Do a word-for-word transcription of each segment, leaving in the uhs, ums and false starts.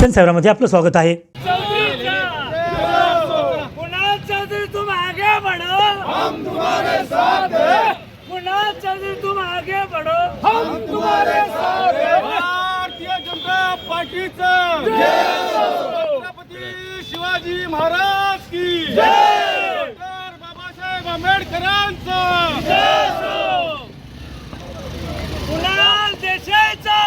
दर्शन सेवरामध्ये आपलं स्वागत आहे। तुम आगे बढ़ो, हम तुम्हारे साथ हैं। कुणाल चौधरी तुम आगे बढ़ो, हम तुम्हारे साथ हैं। भारतीय जनता पार्टीचा छत्रपती शिवाजी महाराज की जय, डॉक्टर बाबासाहेब आंबेडकरांचा जय, कुणाल देशाचा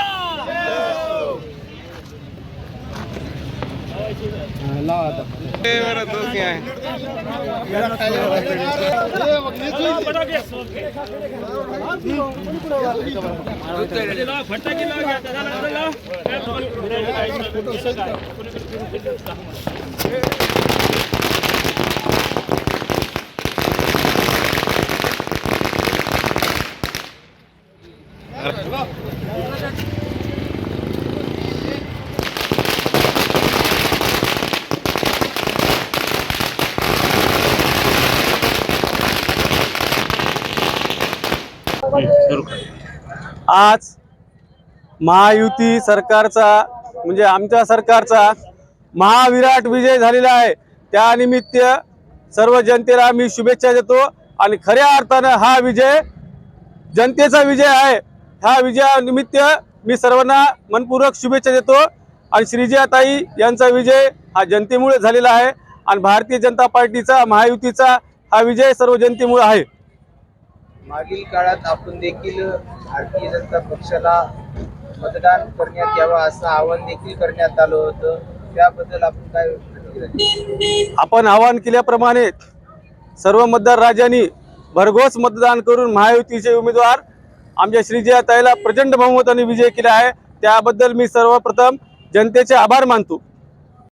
आज महायुती सरकारचा म्हणजे आमच्या सरकारचा महाविराट विजय झालेला आहे। त्यानिमित्त सर्व जनतेला मी शुभेच्छा देतो आणि खऱ्या अर्थानं हा विजय जनतेचा विजय आहे। ह्या विजयानिमित्त मी सर्वांना मनपूर्वक शुभेच्छा देतो आणि श्रीजयाताई यांचा विजय हा जनतेमुळे झालेला आहे आणि भारतीय जनता पार्टीचा महायुतीचा हा विजय सर्व जनतेमुळे आहे। मागील काळात आपण देखील भारतीय जनता पक्षाला मतदान करण्यात यावं असं आवाहन देखील करण्यात आलं होतं, त्याबद्दल आपण काय प्रतिक्रिया? आपण आवाहन केल्याप्रमाणे सर्व मतदार राजांनी भरघोस मतदान करून महायुतीचे उमेदवार आमच्या श्रीजयाताईला प्रचंड बहुमताने विजय केला आहे। त्याबद्दल मी सर्वप्रथम जनतेचे आभार मानतो।